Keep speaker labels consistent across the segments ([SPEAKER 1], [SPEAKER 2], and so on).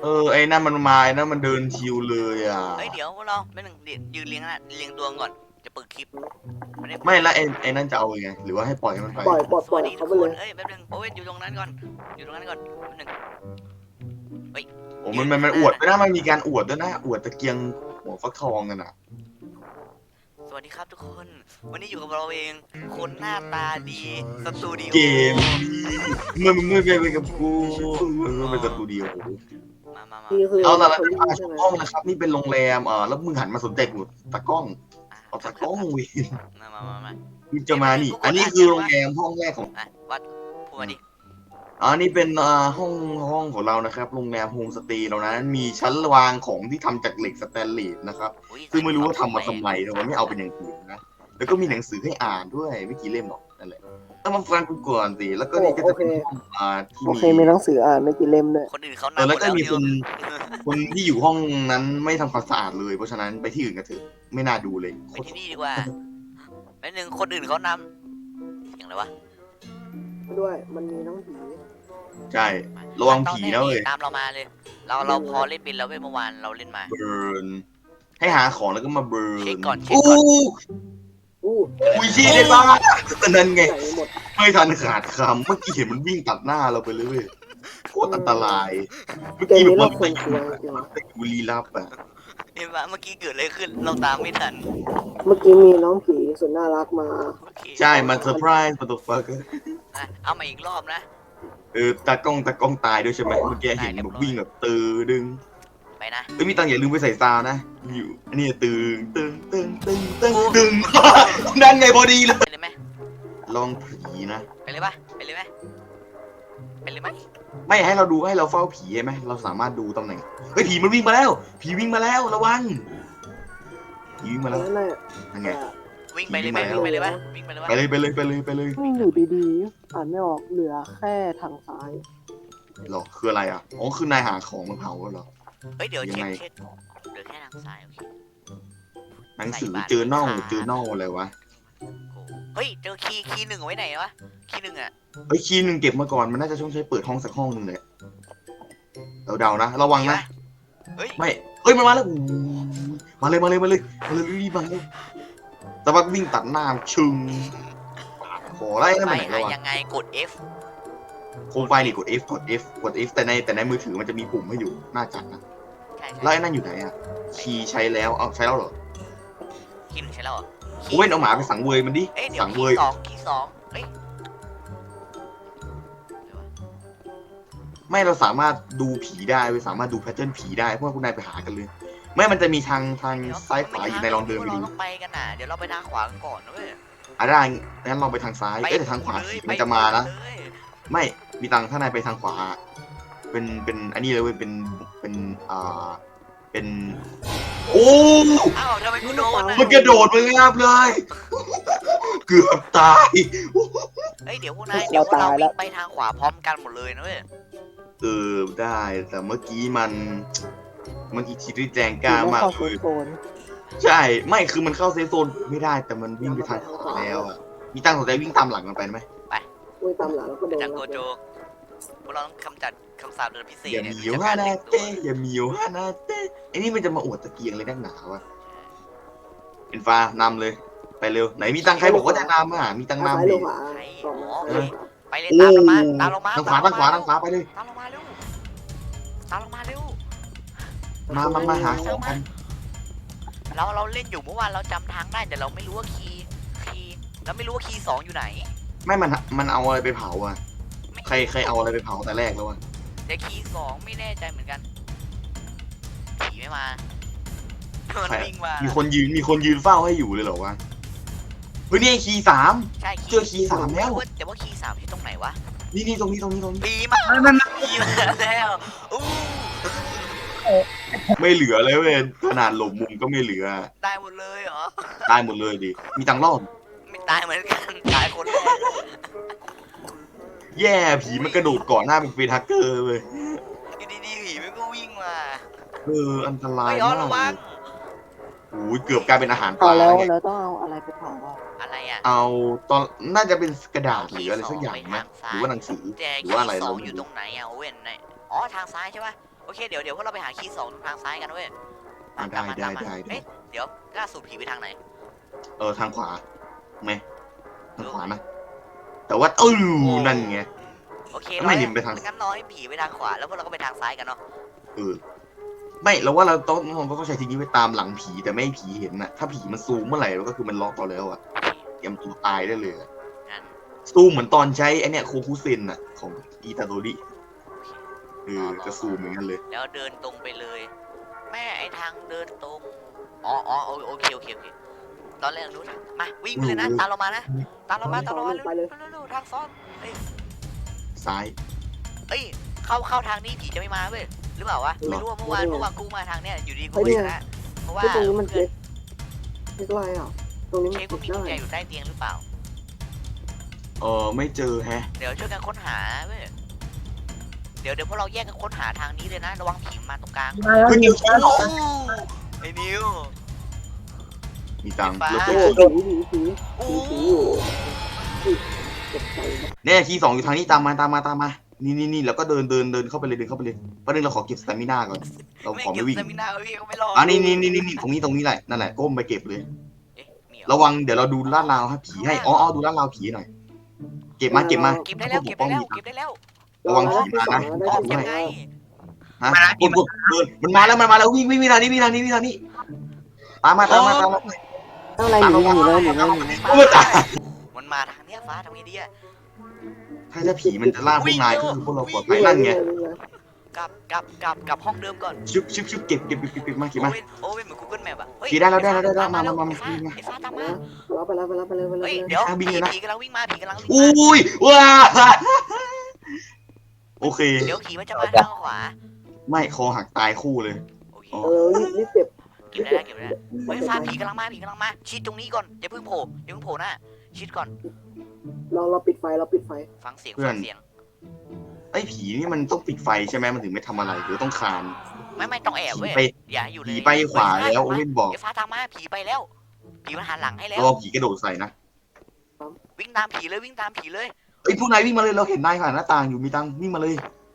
[SPEAKER 1] ไอ้นั่นมันมาไอ้นั่นมันเดินชิวเลยอ่ะ
[SPEAKER 2] เฮ้ยเดี๋ยวพวกเราไม่หนึ่งยืนเรียงนะเรียงตัวก่อนจะเปิดคลิปไม่ได้
[SPEAKER 1] ไม่แล้วไอ้นั่นจะเอาไงหรือว่าให้ปล่อยมันไป
[SPEAKER 2] ส
[SPEAKER 3] ปล่อยปล่อย
[SPEAKER 2] วัสดีทุ
[SPEAKER 3] เขา
[SPEAKER 2] ก
[SPEAKER 3] ไป
[SPEAKER 2] ค
[SPEAKER 3] เล
[SPEAKER 2] น
[SPEAKER 3] ย
[SPEAKER 2] เอ้ยแป๊บนึงโอเว่นอยู่ตรงนั้นก่อนอยู่ตรงนั้นก่อนแป๊บนึง
[SPEAKER 1] โอ้มันอวดไม่ได้มันมีการอวดด้วยนะอวดตะเกียงหัวฟักทองกันอ่ะ
[SPEAKER 2] สวัสดีครับทุกคนวันนี้อยู่กับเราเองคนหน้าตาดีสตูดิโอ
[SPEAKER 1] เกมมึงไปกับกูมึงเป็นสตูดิโอ
[SPEAKER 2] มา
[SPEAKER 3] นี่คือ
[SPEAKER 1] เอาละ
[SPEAKER 3] เขา
[SPEAKER 1] แล้ว
[SPEAKER 3] วิ่ง
[SPEAKER 1] มา
[SPEAKER 3] ใช่ไหม
[SPEAKER 1] ห้องนะครับนี่เป็นโรงแรมแล้วมึงหันมาสนใจกูตากล้องเอาตากล้องเว้ย
[SPEAKER 2] มา
[SPEAKER 1] มึงจะมานี่ อันนี้คือโรงแรมห้องแรกของ
[SPEAKER 2] วัดพูดมาดิ
[SPEAKER 1] นี่เป็นห้องของเรานะครับโรงแรมโฮมสเตย์เรานั้นมีชั้นวางของที่ทำจากเหล็กสแตนเลสนะครับซึ่งไม่รู้ว่าทำมาทำไมแต่ว่าไม่เอาเป็นอย่างอื่นนะแล้วก็มีหนังสือให้อ่านด้วยไม่กี่เล่มหรอกนั่นแหละต้องมาฟังกูก่อนสิแล้วก็นี่ก็จะเป็นห้องที่
[SPEAKER 3] โอเคมีหนังสืออ่านไม่กี่เล่มด้วย
[SPEAKER 2] คนอื่นเขานำหม
[SPEAKER 1] แล้ว
[SPEAKER 2] ด
[SPEAKER 1] ก็
[SPEAKER 2] แล้ว
[SPEAKER 1] มี
[SPEAKER 2] เนี่ย
[SPEAKER 1] คนที่อยู่ห้องนั้นไม่ทำความสะอาดเลยเพราะฉะนั้นไปที่อื่นกันเถอะไม่น่าดูเลย
[SPEAKER 2] ไปที่นี่ดีกว่าแป๊บนึงคนอื่นเขานำอย่างไรวะ
[SPEAKER 3] ด้วยมันมีน้องผี
[SPEAKER 1] ใช่ระวังผีนะเว้ย
[SPEAKER 2] ตามเรามาเลย เราพอเล่นเป็นแล้วเว้ยเมื่อวานเราเล่นมา
[SPEAKER 1] เบิร์นให้หาของแล้วก็มาเบิร์น
[SPEAKER 2] เช็คก่อน
[SPEAKER 1] อู้
[SPEAKER 3] อู้
[SPEAKER 1] อุ้ยชี้ได้บ้าแต่นั่นไง
[SPEAKER 3] ใส่หมด
[SPEAKER 1] ไม่ทันขาดคำเมื่อกี้เห็นมันวิ่งตัดหน้าเราไปเลยเว้ยโคตรอันตรายเมื่อ
[SPEAKER 3] เกม
[SPEAKER 1] กี้แบ
[SPEAKER 3] นี้
[SPEAKER 1] บ
[SPEAKER 3] เรา
[SPEAKER 1] ว่า
[SPEAKER 3] ควรกลัวจริง
[SPEAKER 1] ไปบุรีรับอ่ะ
[SPEAKER 2] เห็นปะเมื่อกี้เกิดอะไรขึ้นเราตามไม่ทัน
[SPEAKER 3] เมื่อกี้มีน้องผีสุดน่ารักมา
[SPEAKER 2] โอเค
[SPEAKER 1] ใช่มันเซอร์ไพรส์มันตัวฟัก
[SPEAKER 2] เอามาอีกรอบนะ
[SPEAKER 1] ตากล้องตายด้วยใช่ไหมเมื่อกี้เห็นแบบวิ่งแบบตือดึง
[SPEAKER 2] ไปนะ
[SPEAKER 1] มีตังอย่าลืมไปใส่ซาวนะอยู่อันนี้ตึงนั่นไงพอดีเลย
[SPEAKER 2] ไปเลยไหม
[SPEAKER 1] ลองผีนะ
[SPEAKER 2] ไปเลยปะไปเลยไหมไปเลยไหม
[SPEAKER 1] ไม่ให้เราดูให้เราเฝ้าผีใช่ไหมเราสามารถดูตำแหน่งเฮ้ยผีมันวิ่งมาแล้วผีวิ่งมาแล้วระวังผีวิ่งมาแล้ว
[SPEAKER 3] นั่นแหละ
[SPEAKER 1] นั่นไง
[SPEAKER 2] วิ่งไปเลยไหมวิ่งไปเลยปะวิ่งไปเลยปะ
[SPEAKER 1] ไปเลย
[SPEAKER 3] วิ่งอยู่ดีๆอ่านไม่ออกเหลือแค่ทางซ้าย
[SPEAKER 1] หรอคืออะไรอ่ะอ๋อคือนายหาของมาเผาเหรอ
[SPEAKER 2] เฮ้ยเดี๋ยว
[SPEAKER 1] ยังไง
[SPEAKER 2] เช็คเหลือแค่ทางซ้ายโอเค
[SPEAKER 1] หนังสือเจอเน่าอะไรวะ
[SPEAKER 2] เฮ้ยเจอคีย์หนึ่งเอาไว้ไหนวะคีย์หนึ่งอะ
[SPEAKER 1] เฮ้ยคีย์หนึ่งเก็บมาก่อนมันน่าจะต้องใช้เปิดห้องสักห้องหนึ่งเลยเดานะระวังนะ
[SPEAKER 2] เฮ้ย
[SPEAKER 1] ไม่เฮ้ยมันมาแล้วมาเลยรีบมาเลยแต่ว่าวิ่งตัดหน้าชึงขอไล่นั่น
[SPEAKER 2] ไป
[SPEAKER 1] มันไหน
[SPEAKER 2] หา
[SPEAKER 1] แล้ววะ
[SPEAKER 2] ยังไงกด F
[SPEAKER 1] โคมไฟนี่กด F แต่ในมือถือมันจะมีปุ่มให้อยู่น่าจัดนะ
[SPEAKER 2] ใช่
[SPEAKER 1] แล้วไอ้นั่นอยู่ไหนอ่ะคีย์ใช้แล้วเอาใช้แล้วเหรอ
[SPEAKER 2] คีย์หนึ่งใช่แล้วเหรอ
[SPEAKER 1] โอ้ยเอาหมาไปสังเวยมันดิ
[SPEAKER 2] เอ้ยเดี๋ยว
[SPEAKER 1] สังเว
[SPEAKER 2] คี
[SPEAKER 1] ย
[SPEAKER 2] ย์สองคีย์สองเฮ้ย
[SPEAKER 1] ไม่เราสามารถดูผีได้เว้ยสามารถดูแพทเทิร์นผีได้เพราะว่าคุณนายไปหากันเลยไม่มันจะมีทางซ้ายขวาอยู่ในลองเดินไป
[SPEAKER 2] เรา
[SPEAKER 1] ดู
[SPEAKER 2] ต้องไปกันน่ะเดี๋ยวเราไปทางขวากันก่อนนะเว้ย
[SPEAKER 1] ได้งั้นเราไปทางซ้ายแต่ทางขวาผีมันจะมานะ
[SPEAKER 2] เลย
[SPEAKER 1] ไม่มีตังค์ถ้านายไปทางขวา เป็นอันนี้เลยเว้ยเป็นโอ้
[SPEAKER 2] อ้าวทำไมกูโดนอ่ะ
[SPEAKER 1] มันกระโดดมางาบเลย เกือบตาย
[SPEAKER 2] เฮ้ยเดี๋ยวพวกนายเดี๋ยวพวกเราวิ่งไปทางขวาพร้อมกันหมดเลยนะเว้ย
[SPEAKER 1] ได้แต่เมื่อกี้คิดที่แจงกล้ามาก
[SPEAKER 3] เข้า
[SPEAKER 1] เลย
[SPEAKER 3] โซน
[SPEAKER 1] ใช่ไม่คือมันเข้าเซฟโซนไม่ได้แต่มันวิ่งไปทางขวาแล้วอะมีตังค์สนใจวิ่งตามหลังมันไปไหม
[SPEAKER 3] อุ้ยตามหลังแล้วก็โดน
[SPEAKER 2] จากโกโจพวกเราต้องคำจัดคำสาปเดินพิเศษ
[SPEAKER 1] อย่า
[SPEAKER 2] เนี่ย
[SPEAKER 1] มีวฮานาเต้อย่ามีวฮานาเต้ไอ้นี่มันจะมาอวดตะเกียงเลยนักหนาวะเป็นฟ้านำเลย ไปเร็วไหนมีตังค์ใครบอกว่าจะนำอ่ะมีตังค์
[SPEAKER 3] ซ้าย
[SPEAKER 1] นำ
[SPEAKER 3] ล
[SPEAKER 1] ดิ
[SPEAKER 3] งขวาสองซ้าย
[SPEAKER 2] ไปเลยตามลงมาตามลงมา
[SPEAKER 1] ทางขวาไปเลย
[SPEAKER 2] ตามลงมาเร็วตามลงมาเร็ว
[SPEAKER 1] มาหาของกัน
[SPEAKER 2] เราเล่นอยู่เมื่อวานเราจำทางได้แต่เราไม่รู้ว่าคีย์เราไม่รู้ว่าคีย์สองอยู่ไหน
[SPEAKER 1] ไม่มันเอาอะไรไปเผาอ่ะใครเอาอะไรไปเผาแต่แรกแล้ววะ
[SPEAKER 2] แต่คีย์สองไม่แน่ใจเหมือนกันผีไม่มามันวิ่งมา
[SPEAKER 1] มีคนยืนเฝ้าให้อยู่เลยเหรอวะเฮ้ยนี่ไอ้คีย์3
[SPEAKER 2] ใช่
[SPEAKER 1] เจอคีย์3แล้ว
[SPEAKER 2] แต่ว่าคีย์สามที่ตรงไหนวะ
[SPEAKER 1] นี่ตรงนี้
[SPEAKER 2] ผีมาผีมาแล้วอู้
[SPEAKER 1] ไม่เหลือเลยเว้ยขนาดหลบมุมก็ไม่เหลือ
[SPEAKER 2] ตายหมดเลยเหรอ
[SPEAKER 1] ตายหมดเลยดิมีตังค์รอด
[SPEAKER 2] ไม่ตายเหมือนกันตายคนแรก
[SPEAKER 1] แย่ผีมันกระโดดก่อนหน้าเป็นเฟทักเกอร์เลย
[SPEAKER 2] อยู่ดีๆผีมันก็วิ่งมา
[SPEAKER 1] อันตราย
[SPEAKER 2] เฮ้ยอ๋อ
[SPEAKER 1] มาก
[SPEAKER 2] ระวัง
[SPEAKER 1] โอ้ยเกือบกลายเป็นอาหารป
[SPEAKER 3] เอา
[SPEAKER 1] ลา
[SPEAKER 3] แล้ว
[SPEAKER 1] เนี่ย
[SPEAKER 3] แล้วต้องเอาอะไรไปเผาอ่ะ
[SPEAKER 2] อะไรอ่ะ
[SPEAKER 1] เอาตอนน่าจะเป็นกระดาษหรืออะไรสักอย่างไหมหรือว่าหนังสือ
[SPEAKER 2] แต่
[SPEAKER 1] หรือ
[SPEAKER 2] คี
[SPEAKER 1] ว่าอะไร
[SPEAKER 2] ย์ส
[SPEAKER 1] เรา
[SPEAKER 2] อง
[SPEAKER 1] ไม่
[SPEAKER 2] อยู่ต
[SPEAKER 1] รู้
[SPEAKER 2] รงไหนอ่ะโอเว่นไหนอ๋อทางซ้ายใช่ปะโอเคเดี๋ยวพวกเราไปหาคีย์2ตรงทางซ้ายกันเว้ย
[SPEAKER 1] ได้
[SPEAKER 2] ตามมา
[SPEAKER 1] ได้
[SPEAKER 2] เอ๊ะเดี๋ยวล่าสุดผีไปทางไหน
[SPEAKER 1] ทางขวาไหมทางขวานะแต่ว่านั่นไง
[SPEAKER 2] โอเค
[SPEAKER 1] ไม่ดิมไปทาง
[SPEAKER 2] งั้นรอให้ผีไปทางขวาแล้วพวกเราก็ไปทางซ้ายกันเนาะ
[SPEAKER 1] ไม่เราว่าเราต้องใช้ทีนี้ไปตามหลังผีแต่ไม่ให้ผีเห็นนะถ้าผีมันซูมเมื่อไหร่เราก็คือมันล็อกต่อแล้วอะเตรียมตัวตายได้เลยอะ
[SPEAKER 2] งั้น
[SPEAKER 1] ซูมเหมือนตอนใช้ไอเนี่ยโคคุเซนอะของอีตาโดริจะซูมเหมือนกันเลย
[SPEAKER 2] แล้วเดินตรงไปเลย แม่ไอทางเดินตรงอ๋อโอเคตอนแรกนู้นมาวิ่งไปเลยนะตามเรามานะตามเรามาเร็วทางซ้อนเอ้ย
[SPEAKER 1] ซ้าย
[SPEAKER 2] เอ้ยเข้าทางนี้ผีจะไม่มาเว้ยหรือเปล่าวะไม่รู้ว่าเมื่อวานกูมาทางเนี้ยอยู่ดีกูไม่ชนะเพราะว่า
[SPEAKER 3] ที่ตรงนี้มัน
[SPEAKER 2] เพื่
[SPEAKER 3] เช็
[SPEAKER 2] อน
[SPEAKER 3] คอะไรอ่ะตรงนี้มัน
[SPEAKER 2] เช็ค
[SPEAKER 3] เช็
[SPEAKER 2] ว่า
[SPEAKER 3] ค
[SPEAKER 2] มีกุญแจ
[SPEAKER 3] ได้
[SPEAKER 2] อยู่ใต้เตียงหรือเปล่า
[SPEAKER 1] ไม่เจอแฮะ
[SPEAKER 2] เดี๋ยวช่วยกันค้นหาเว้ยเดี๋ยวพวกเราแยกกันค้นหาทางนี้เลยนะระวังผีมาตรงกลาง
[SPEAKER 4] มาแล้ว
[SPEAKER 1] คุณนิว
[SPEAKER 2] ไอ้นิว
[SPEAKER 1] มีตังค์
[SPEAKER 2] ฟ้า
[SPEAKER 1] แล้ว
[SPEAKER 3] โอ้
[SPEAKER 1] ก็
[SPEAKER 3] ผีอยู่เจ็บใจนะ
[SPEAKER 1] เนี่ยคีย์2อยู่ทางนี้ตามมานี่แล้วก็เดินเข้าไปเลยประเด็นเราขอเก็บสเตมิน่าก่อนเราขอไม่วิ่ง
[SPEAKER 2] เก็บสเตมินาไว้พี่เขาไม่รอ
[SPEAKER 1] นี่ตรงนี้แหละนั่นแหละก้มไปเก็บเลย
[SPEAKER 2] เอ๊ะมีเหรอ
[SPEAKER 1] ระวังเดี๋ยวเราดูลาดราวให้ผีให้ดูลาดราวผีหน่อยเก็บมา
[SPEAKER 2] เก็บได้แล้ว
[SPEAKER 1] ระวังผีมานะ
[SPEAKER 3] ได้
[SPEAKER 2] อ๋อ
[SPEAKER 3] ที่
[SPEAKER 2] เก็บ
[SPEAKER 3] สอง
[SPEAKER 2] ไง
[SPEAKER 1] ฮะกดเดินมันมาแล้ววิ่งทางนี้ตามมา
[SPEAKER 3] ข้างในอยู่เลย
[SPEAKER 2] มันมาทางเนี้ยฟ้าทางนี้ดีอะ
[SPEAKER 1] ถ้าผีมันจะล่าพวกนายก็คือพวกเราปลอดภัยนั่นไง
[SPEAKER 2] กลับห้องเดิมก่อน
[SPEAKER 1] ชุบเก็บมา
[SPEAKER 2] โอเว่นเหมือน Google Map อะเฮ้ย
[SPEAKER 1] ขี่ได้แล้ว
[SPEAKER 2] ไอ้ฟ้
[SPEAKER 1] มา
[SPEAKER 2] ไอ้ฟ้าตามมา
[SPEAKER 3] ไปแล้ว
[SPEAKER 2] เฮ้ยเดี๋ยวผีกำลังวิ่งมา
[SPEAKER 1] อุ้ยว้าโอเค
[SPEAKER 2] เดี๋ยวผีมันจะมาทางขวา
[SPEAKER 1] ไม่คอหักตายคู่เลย
[SPEAKER 2] โอเค
[SPEAKER 3] รีบเก็บ
[SPEAKER 2] เก็บได้เฮ้ยฟ้าผีกำลังมาชิดตรงนี้ก่อนอย่าเพิ่งโผล่หน้าชิดก่อน
[SPEAKER 3] เราปิดไฟ
[SPEAKER 2] ฟังเสียง
[SPEAKER 1] ไอ้ผีนี่มันต้องปิดไฟใช่ไหมมันถึงไม่ทำอะไรหรือต้องคาน
[SPEAKER 2] ไม่ต้องแอบเว้ยอย่าอยู่เลย
[SPEAKER 1] ผีไปขวาแล้วโอเว่นบอก
[SPEAKER 2] ไอ้ฟ้าตามมาผีไปแล้วผีมันหันหลังให้แล้ว
[SPEAKER 1] รอผีกระโดดใส่นะ
[SPEAKER 2] วิ่งตามผีเลย
[SPEAKER 1] พวกนายวิ่งมาเลยเราเห็นนายผ่านหน้าต่างอยู่มีตังวิ่งมาเลย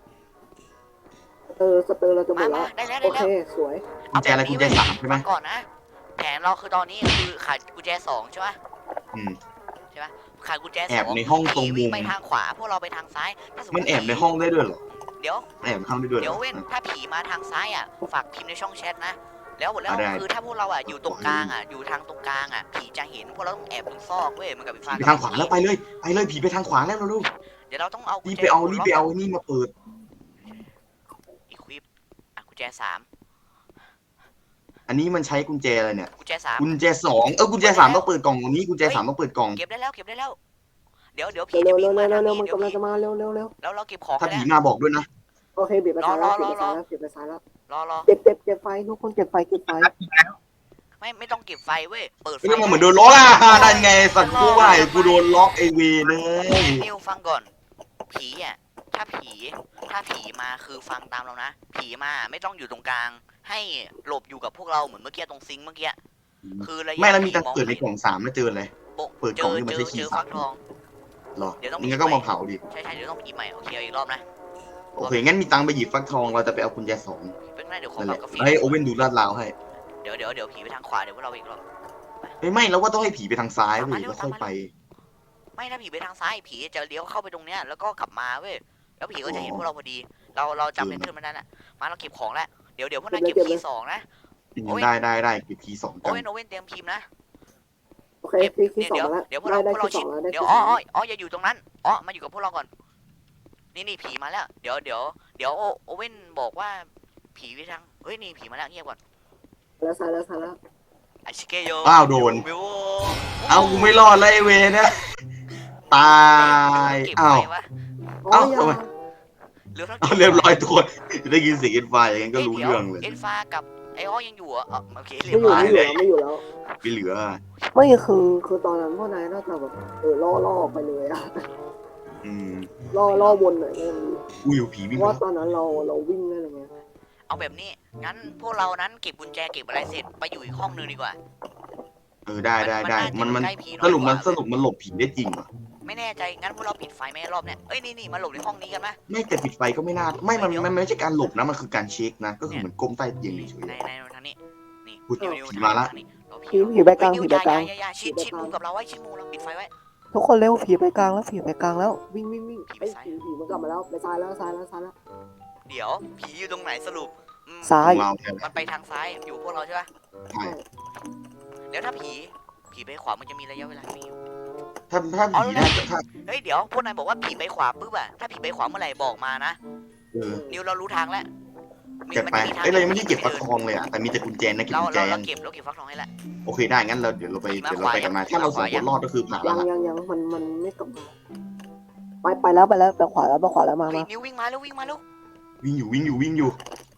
[SPEAKER 3] สเตอร์เราจะหมดแล้ว
[SPEAKER 2] ได้แล้ว
[SPEAKER 3] โอเคสวย
[SPEAKER 1] กุญแจอะไรกุญแจ3ใช่ไหม
[SPEAKER 2] ก่อนนะแผนเราคือตอนนี้คือขาดกุญแจ2ใช่ปะ
[SPEAKER 1] อืม
[SPEAKER 2] ขาดกุญแจ2
[SPEAKER 1] แอบในห้องตรงมุ
[SPEAKER 2] วิ่ง
[SPEAKER 1] ม
[SPEAKER 2] ไปทางขวาพวกเราไปทางซ้ายถ้าสมม
[SPEAKER 1] มัน
[SPEAKER 2] ติ
[SPEAKER 1] แอบในห้องได้ด้วยเหรอ
[SPEAKER 2] เดี๋ยว
[SPEAKER 1] แอบในห้องได้ด้วยเหร
[SPEAKER 2] เดี๋ยว
[SPEAKER 1] อ
[SPEAKER 2] เว้นถ้าผีมาทางซ้ายอ่ะฝากพิมพ์ในช่องแชทนะแล้ว
[SPEAKER 1] ได้
[SPEAKER 2] คือถ้าพวกเราอ่ะอยู่ตรงกลางอ่ะอยู่ทางตรงกลางอ่ะผีจะเห็นพวกเราต้องแอบตรงซอกเว้ยมันกับไฟฟ้า
[SPEAKER 1] ไปทางขวาแล้วไปเลยผีไปทางขวาแล้วเราลูก
[SPEAKER 2] เดี๋ยวเราต้องเอา
[SPEAKER 1] รี
[SPEAKER 2] รี
[SPEAKER 1] บไปเอานี่มาเปิด
[SPEAKER 2] อีควิปกุญแจ3
[SPEAKER 1] อันนี้มันใช้กุญแจอะไรเนี่ย
[SPEAKER 2] กุญแจ3
[SPEAKER 1] กุญแจ2กุญแจ3ต้องเปิดกล่องตรงนี้กุญแจ3ต้องเปิดกล่อง
[SPEAKER 2] เก็บได้แล้วเดี๋ยวผี
[SPEAKER 3] เร็
[SPEAKER 2] จะ
[SPEAKER 3] ว
[SPEAKER 2] วิ่งมาทาง
[SPEAKER 3] มัน
[SPEAKER 2] นี้เดี๋ยว
[SPEAKER 3] กำลังจะมาเร็ว
[SPEAKER 2] แล้วเราเก็บของ
[SPEAKER 1] ถ้า
[SPEAKER 2] ไป
[SPEAKER 1] ผี
[SPEAKER 2] แล้ว
[SPEAKER 1] มาบอกด้วยนะ
[SPEAKER 3] โอเคปิดไปซ้ายแล้ว
[SPEAKER 2] รอ
[SPEAKER 3] เก็บไฟทุกคนเก็บไฟ
[SPEAKER 2] ไม่ต้องเก็บไฟเว้ยเปิดไฟ
[SPEAKER 1] นี่มันเหมือนโดนล็อกนั่นไงสัตว์กูว่ากูโดนล็อกไอเวเลย
[SPEAKER 2] นิวฟังก่อนผีอ่ะถ้าผีมาคือฟังตามเรานะผีมาไม่ต้องอยู่ตรงกลาง ให้หลบอยู่กับพวกเราเหมือนเมื่อกี้ตรงซิงค์เมื่อกี้คือระยะ
[SPEAKER 1] ไม่แล้วมีตังเปิดในกล่อง3แล้วเจออะไร เปิดกล่องนี่มันใช้คีย์
[SPEAKER 2] ฟักทอง
[SPEAKER 1] หรอ
[SPEAKER 2] เดี๋ยวต้อง
[SPEAKER 1] งั้นก็มาเผาดิ
[SPEAKER 2] ใช่เดี๋ยวต้องหยิบใหม่โอเคอีกรอบนะ
[SPEAKER 1] โอเคงั้นมีตังไปหยิบฟักทองเราจะไปเอากุญแจ2
[SPEAKER 2] เป็นไงเดี๋ยวขอ
[SPEAKER 1] นั่นแห
[SPEAKER 2] ปรับ
[SPEAKER 1] ละ
[SPEAKER 2] กาแฟ
[SPEAKER 1] ให้โอเว่นดูลาดราวให้
[SPEAKER 2] เดี๋ยวผีไปทางขวาเดี๋ยวพวกเราอีกรอบ
[SPEAKER 1] ไม่แล้วว่าต้องให้ผีไปทางซ้ายเว้ยแล้วค่อยไป
[SPEAKER 2] ไม่ถ้าผีไปทางซ้ายผีจะเลี้ยวเข้าไปตรงเนี้ยแล้วก็กลับมาเว้ยแล้วผีก็จะเห็นพวกเราพอดี เราจำเป็นเพื่อนมันนั่นแหละมาเราเก็บของแล้วเดี๋ยวพวกนายเก็บคีย์2นะ
[SPEAKER 1] ได้เก็บคีย์2
[SPEAKER 2] โอ
[SPEAKER 1] กัน
[SPEAKER 2] เว่นเตรียมพิมพ์นะ
[SPEAKER 3] โอเคที่สองแล้ว
[SPEAKER 2] เดี๋ยวพวกเรา
[SPEAKER 3] ได้
[SPEAKER 2] ชิ
[SPEAKER 3] ที่
[SPEAKER 2] ด
[SPEAKER 3] 2แล้วได้
[SPEAKER 2] เดี๋ยว
[SPEAKER 3] ที่
[SPEAKER 2] อย่าอยู่ตรงนั้นมาอยู่กับพวกเราก่อนนี่ผีมาแล้วเดี๋ยวโอเว่นบอกว่าผีไปทางเฮ้ยนี่ผีมาแล้วเงียบก่อน
[SPEAKER 3] แล้วซ้ายแล้ว
[SPEAKER 2] อาชิเกโย
[SPEAKER 1] อ้าวโดน เอากูไม่รอดเลยไอเวนะตายอ้าว เรียบร้อยตัวได้ยินเสียงเอ็นไฟอย่างนั้นก็รู้เรื่องเลย
[SPEAKER 2] เอ็นฟ้ากับไออ้อยังอยู่โอเคเรีย
[SPEAKER 3] ไม่
[SPEAKER 2] บ
[SPEAKER 3] อยู่
[SPEAKER 2] ร้อย
[SPEAKER 3] ไม่อยู่แล้ว
[SPEAKER 1] ไม่เหลือ
[SPEAKER 3] ไม่คือตอนนั้นพวกนายน่าจะแบบล่อไปเลยอะ
[SPEAKER 1] อืม
[SPEAKER 3] ล่อวนหน่อยเลย
[SPEAKER 1] อุ้ยผีวิ่ง
[SPEAKER 3] ว่าตอนนั้นเราวิ่งได้เลยไง
[SPEAKER 2] เอาแบบนี้งั้นพวกเรานั้นเก็บกุญแจเก็บอะไรเสร็จไปอยู่อีกห้องนึงดีกว่า
[SPEAKER 1] ได้มัน
[SPEAKER 2] ใกล้ผี
[SPEAKER 1] สรุป
[SPEAKER 2] น้อยกว่า
[SPEAKER 1] มันหลบผีได้จริงเหรอ
[SPEAKER 2] ไม่แน่ใจงั้นพวกเราปิดไฟไหมรอบเนี้ยเอ้ยนี่มาหลบในห้องนี้กันไหม
[SPEAKER 1] ไม่แต่ปิดไฟก็ไม่น่ามันไม่ใช่การหลบนะมันคือการเช็คนะก็คือเหมือนก้มใต้เตียงเฉย
[SPEAKER 2] ในทางนี้นี่
[SPEAKER 1] อุ๊ย
[SPEAKER 2] นิว
[SPEAKER 1] ผีมาละ
[SPEAKER 2] ทงนี้เร
[SPEAKER 3] ผีไปกลาง
[SPEAKER 2] นิว
[SPEAKER 3] ผีไปกลาง
[SPEAKER 2] อย่าชิดมุมกับเราไว้ชิดมุมเราปิดไฟไว้
[SPEAKER 3] ทุกคนเร็วผีไปกลางแล้วผีไปกลางแล้ววิ่งไอ้
[SPEAKER 2] ซ้าย
[SPEAKER 3] ผีมันกลับมาแล้วไปซ้ายแล้ว
[SPEAKER 2] เดี๋ยวผีอยู่ตรงไหนสรุป
[SPEAKER 3] ซ้า
[SPEAKER 1] ๆข
[SPEAKER 3] ย
[SPEAKER 1] องเราเนี่ย
[SPEAKER 2] มันไปทางซ้ายอยู่พวกเราใช่ปะ
[SPEAKER 1] ใช่
[SPEAKER 2] แล้วถ้าผีไปขวามันจะมีระยะเวลาไม่อยู่
[SPEAKER 1] ถ้าผีน่าจะถ้า
[SPEAKER 2] เฮ้ยเดี๋ยวพวกนายบอกว่าผีไปขวาปุ๊บอะถ้าผีไปขวาเมื่อไหร่บอกมานะ นิวเรารู้ทางแล้ว
[SPEAKER 1] เก็บไปเรายังไม่ได้เก็บฟักทองเลยอ่ะแต่มีแต่กุญแจนะเก็บ
[SPEAKER 2] เรา
[SPEAKER 1] กุญแจ
[SPEAKER 2] เก็บฟักทองให้แล้ว
[SPEAKER 1] โอเคได้งั้นเราเดี๋ยวเราไปกันมาถ้าเราสองคนรอดก็คือผ่านแล้ว
[SPEAKER 3] ยังมันไม่กลับมาไปแล้วไปขวาแล้วมา
[SPEAKER 2] เฮ้ยนิววิ่งมาแล้ว
[SPEAKER 1] วิ่งอยู่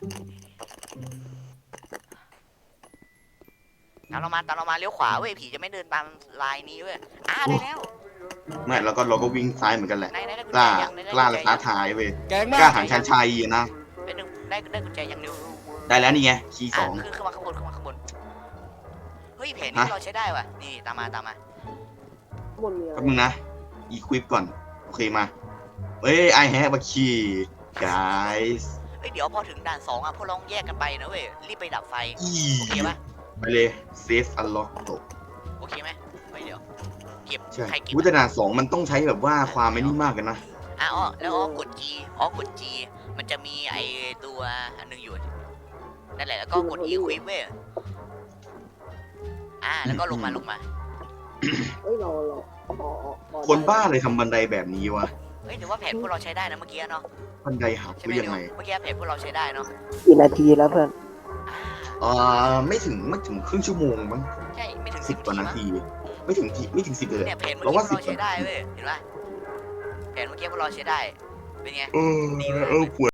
[SPEAKER 2] ตามเรามาเลี้ยวขวาเว้ยผีจะไม่เดินตามลายนี้เว้ยได้แล้ว
[SPEAKER 1] ไม่เราก็วิ่งซ้ายเหมือนกันแหละ
[SPEAKER 2] ได้กุญ
[SPEAKER 1] ก
[SPEAKER 2] แจ
[SPEAKER 1] ล้า
[SPEAKER 2] ยัง
[SPEAKER 1] กล้าและท้าทายเว้ย
[SPEAKER 4] แกง
[SPEAKER 1] ก
[SPEAKER 4] มา
[SPEAKER 1] ล้าก หาญชันชัยนะ
[SPEAKER 2] เป็นหนึ่งได้กุญแจยังนิว
[SPEAKER 1] ได้แล้วนี่ไงคีย์สอง
[SPEAKER 2] ขึ้นมาข้างบนเฮ้ยแผนนี้เราใช้ได้ว่ะนี่ตามมา
[SPEAKER 3] บนมีอะไร
[SPEAKER 1] แป๊บนึงนะอีควิปก่อนโอเคมาเอ้ย I have a key guys
[SPEAKER 2] เฮ้ยเดี๋ยวพอถึงด่าน2อ่ะพวกเราแยกกันไปนะเว้ยรีบไปดับไฟ
[SPEAKER 1] อี
[SPEAKER 2] โอเคปะ
[SPEAKER 1] ไปเลยเซฟอันล็อกตก
[SPEAKER 2] โอเคไหมไม่เดี๋ยวเก็บ
[SPEAKER 1] ใช่
[SPEAKER 2] ใครเก็บ
[SPEAKER 1] วุฒินาสองมันต้องใช้แบบว่าความไม่นี่มากกันนะ
[SPEAKER 2] แล้วกด G มันจะมีไอตัวอันนึงอยู่นั่นแหละแล้วก็กด E ควิปเว้ยแล้วก็ลงมา
[SPEAKER 3] เฮ้ยเรา
[SPEAKER 1] คนบ้าเลยทำบันไดแบบนี้วะ
[SPEAKER 2] เฮ้ยถือว่าแผนพวกเราใช้ได้นะเมื่อกี้เนาะ
[SPEAKER 1] บันไดหัก
[SPEAKER 2] ใช่
[SPEAKER 1] ห
[SPEAKER 2] ไหม
[SPEAKER 1] รือยังไง
[SPEAKER 2] เมื่อกี้แผนพวกเราใช้ได้เนาะ
[SPEAKER 3] กี่นาทีแล้วเพื่อน
[SPEAKER 1] ไม่ถึงครึ่งชั่วโมงมั้ง
[SPEAKER 2] ใช่ไม่ถึง
[SPEAKER 1] 10 กว่านา
[SPEAKER 2] มั้ง
[SPEAKER 1] ทีไม่ถึง10เลย
[SPEAKER 2] เนี่ยแผนเมื่อกี้พวกเราใช้ได้เว้ยเห็นปะแผนเมื่อกี้พวกเราใช้ได้เป็นไง
[SPEAKER 1] ปวด